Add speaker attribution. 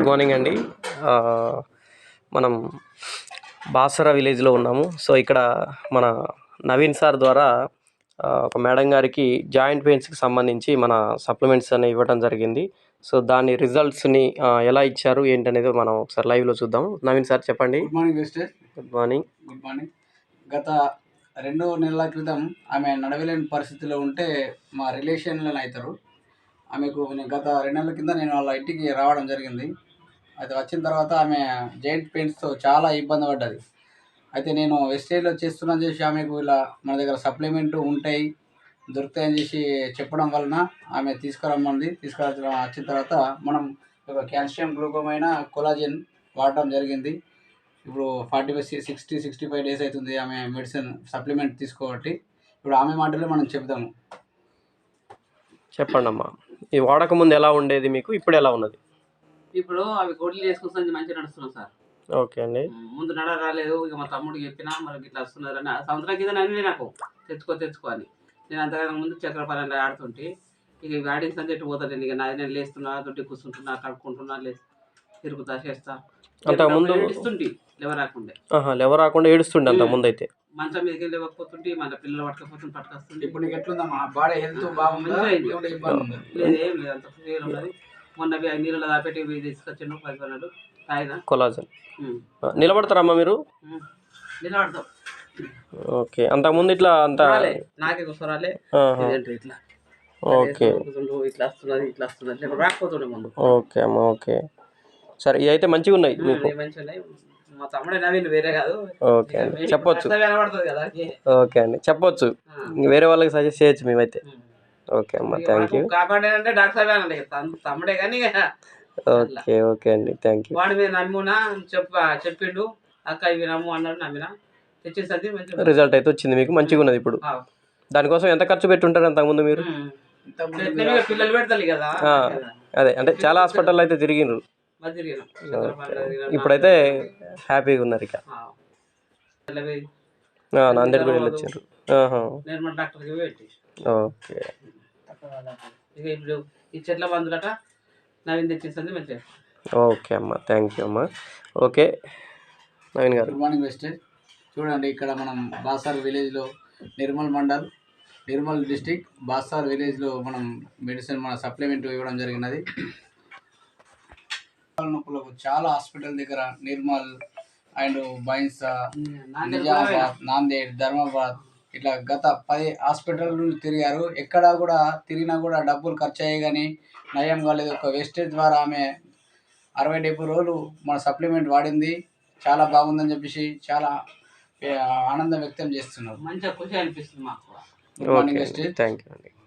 Speaker 1: Good morning అండి. మనం బాసర విలేజ్లో ఉన్నాము. సో ఇక్కడ మన నవీన్ సార్ ద్వారా ఒక మేడం గారికి జాయింట్ పెయిన్స్కి సంబంధించి మన సప్లిమెంట్స్ అనేవి ఇవ్వడం జరిగింది. సో దాని రిజల్ట్స్ని ఎలా ఇచ్చారు ఏంటనేది మనం ఒకసారి లైవ్లో చూద్దాం. నవీన్ సార్ చెప్పండి.
Speaker 2: Good morning mister.
Speaker 1: Good morning.
Speaker 2: Good morning. గత 2 నెలల క్రితం ఆమె నడవలేని పరిస్థితిలో ఉంటే మా రిలేషన్లో అవుతారు. ఆమెకు గత 2 నెలల కింద నేను వాళ్ళ ఇంటికి రావడం జరిగింది. అయితే వచ్చిన తర్వాత ఆమె జాయింట్ పెయిన్స్తో చాలా ఇబ్బంది పడ్డది. అయితే నేను వెస్టేజ్లో చేస్తున్నాను చేసి ఆమెకు ఇలా మన దగ్గర సప్లిమెంట్ ఉంటాయి దొరుకుతాయని చేసి చెప్పడం వలన ఆమె వచ్చిన తర్వాత మనం కాల్షియం గ్లూకోమైనా కొలాజన్ వాడటం జరిగింది. ఇప్పుడు 65 డేస్ అవుతుంది ఆమె మెడిసిన్ సప్లిమెంట్ తీసుకోబట్టి. ఇప్పుడు ఆమె మాటలే మనం చెప్దాము.
Speaker 1: చెప్పండి అమ్మా, ఈ వాడక ముందు ఎలా ఉండేది మీకు, ఇప్పుడు ఎలా ఉన్నది?
Speaker 3: ఇప్పుడు అవి గొడ్లు చేసుకొస్తాను మంచిగా నడుస్తున్నాం సార్.
Speaker 1: ఓకే అండి.
Speaker 3: ముందు రాలేదు. ఇక మా తమ్ముడికి చెప్పినా మరి ఇట్లా వస్తున్నారని సంవత్సరం కింద నన్ను నాకు తెచ్చుకో అని నేను అంతకన్నా ముందు చక్రపాలెంలో ఆడుతుంటే ఇక ఇవి ఆడిన సంచెట్టు పోతాను. ఇక నేను లేస్తున్నా తొట్టి కూర్చుంటున్నా కడుక్కుంటున్నా తిరుగుతా చేస్తా.
Speaker 1: అంతకుముందు
Speaker 3: ఏడుస్తుంటే
Speaker 1: లేవ రాకుండా ఏడుస్తుండే అంతకుముందు అయితే
Speaker 3: మంచం మీదకి లేవకపోతుంటే మన పిల్లలు పట్టుకొస్తుంటే.
Speaker 2: ఇప్పుడు నీకు ఎట్లుందమ్మా బాడీ హెల్త్ బాగుంది?
Speaker 3: లేదు ఏం లేదు, అంత క్లియర్ ఉన్నది. మొన్న నీళ్ళలో దాపెట్టి తీసుకొచ్చిండు 10 తాగిన
Speaker 1: కొలాజన్. నిలబడతారమ్మా మీరు?
Speaker 3: నిలబడతాం.
Speaker 1: ఓకే, అంతకుముందు ఇట్లా అంతా
Speaker 3: నాకే కూర్చోరాలే ఇట్లా
Speaker 1: ఓకే
Speaker 3: ఇట్లా వస్తున్నది రాకపోతుండే ముందు.
Speaker 1: ఓకే అమ్మా, ఓకే సరే. ఇవి అయితే మంచిగా ఉన్నాయి మీకు?
Speaker 3: మంచిగా ఉన్నాయి. మా తమ్ముడే నవీన్ వేరే కాదు.
Speaker 1: ఓకే అండి, చెప్పొచ్చు.
Speaker 3: కనబడుతుంది కదా.
Speaker 1: ఓకే అండి, చెప్పొచ్చు. వేరే వాళ్ళకి సజెస్ట్ చేయొచ్చు మేమైతే. ఓకే అమ్మా, థ్యాంక్ యూ.
Speaker 3: కాపాడంటే డాక్టర్ అనండి తమ్ముడే కానీ.
Speaker 1: ఓకే ఓకే అండి, థ్యాంక్ యూ.
Speaker 3: వాడి మీద నమ్మునా చెప్పిండు అక్క ఇవి నమ్ము అన్నాడు. నమ్మినా తెచ్చేసరికి మంచి
Speaker 1: రిజల్ట్ అయితే వచ్చింది మీకు, మంచిగా ఉన్నది. ఇప్పుడు దానికోసం ఎంత ఖర్చు పెట్టుంటారు అంతకుముందు మీరు?
Speaker 3: పిల్లలు పెడతారు కదా.
Speaker 1: అదే అంటే చాలా హాస్పిటల్ అయితే తిరిగినారు. ఇప్పుడైతే హ్యాపీగా ఉన్నారు. ఇక నాందేడ్ కూడా వెళ్ళొచ్చారు. ఓకే,
Speaker 3: ఇప్పుడు ఈ చెట్ల మందులట నవీన్ తెచ్చేసింది మంచిగా.
Speaker 1: ఓకే అమ్మా, థ్యాంక్ యూ అమ్మా. ఓకే నవీన్ గారు.
Speaker 2: గుడ్ మార్నింగ్ వెస్టేజ్. చూడండి, ఇక్కడ మనం బాసార్ విలేజ్లో నిర్మల్ డిస్టిక్ బాసార్ విలేజ్లో మనం మెడిసిన్ మన సప్లిమెంట్ ఇవ్వడం జరిగినది. నొప్పులకు చాలా హాస్పిటల్ దగ్గర నిర్మల్ అండ్ బైన్సా, నిజామాబాద్, నాందేడ్, ధర్మాబాద్ ఇట్లా గత 10 హాస్పిటల్ తిరిగారు. ఎక్కడా కూడా తిరిగినా కూడా డబ్బులు ఖర్చు అయ్యాయి కానీ నయం కాలేదు. ఒక వేస్టేజ్ ద్వారా ఆమె 60-70 రోజులు మన సప్లిమెంట్ వాడింది. చాలా బాగుందని చెప్పేసి చాలా ఆనందం వ్యక్తం చేస్తున్నారు.
Speaker 3: మంచిగా ఖుషి అనిపిస్తుంది మాకు.
Speaker 2: గుడ్ మార్నింగ్ వెస్టేజ్.
Speaker 1: థ్యాంక్ యూ అండి.